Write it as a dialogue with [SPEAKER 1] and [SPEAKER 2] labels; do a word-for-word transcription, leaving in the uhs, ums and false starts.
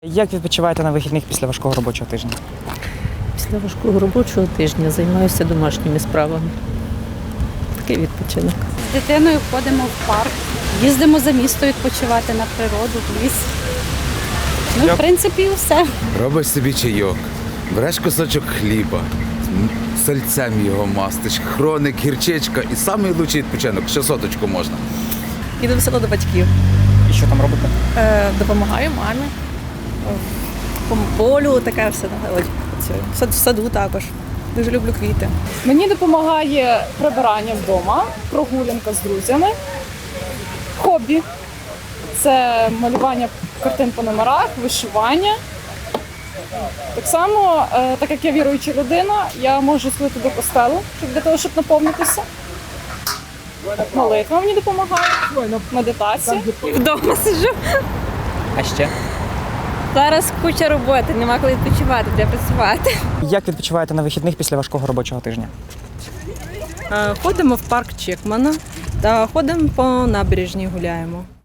[SPEAKER 1] Як відпочиваєте на вихідних після важкого робочого тижня?
[SPEAKER 2] Після важкого робочого тижня займаюся домашніми справами. Такий відпочинок.
[SPEAKER 3] З дитиною ходимо в парк, їздимо за місто відпочивати на природу, в ліс. Ну, в принципі, і все.
[SPEAKER 4] Робиш собі чайок, береш кусочок хліба, сальцем його мастиш, хроник, гірчичка і самий лучший відпочинок, ще соточку можна.
[SPEAKER 5] Їду в село до батьків.
[SPEAKER 1] І що там робите?
[SPEAKER 5] Е, допомагаю мамі. По полю таке все. Ось, це, в саду також. Дуже люблю квіти.
[SPEAKER 6] Мені допомагає прибирання вдома, прогулянка з друзями, хобі. Це малювання картин по номерах, вишивання. Так само, е, так як я віруюча людина, я можу сходити до костелу щоб для того, щоб наповнитися. Молитва мені допомагає, медитація.
[SPEAKER 7] Вдома сиджу.
[SPEAKER 1] А ще?
[SPEAKER 7] Зараз куча роботи, нема коли відпочивати, де працювати.
[SPEAKER 1] Як відпочиваєте на вихідних після важкого робочого тижня?
[SPEAKER 2] Ходимо в парк Чекмана та ходимо по набережній, гуляємо.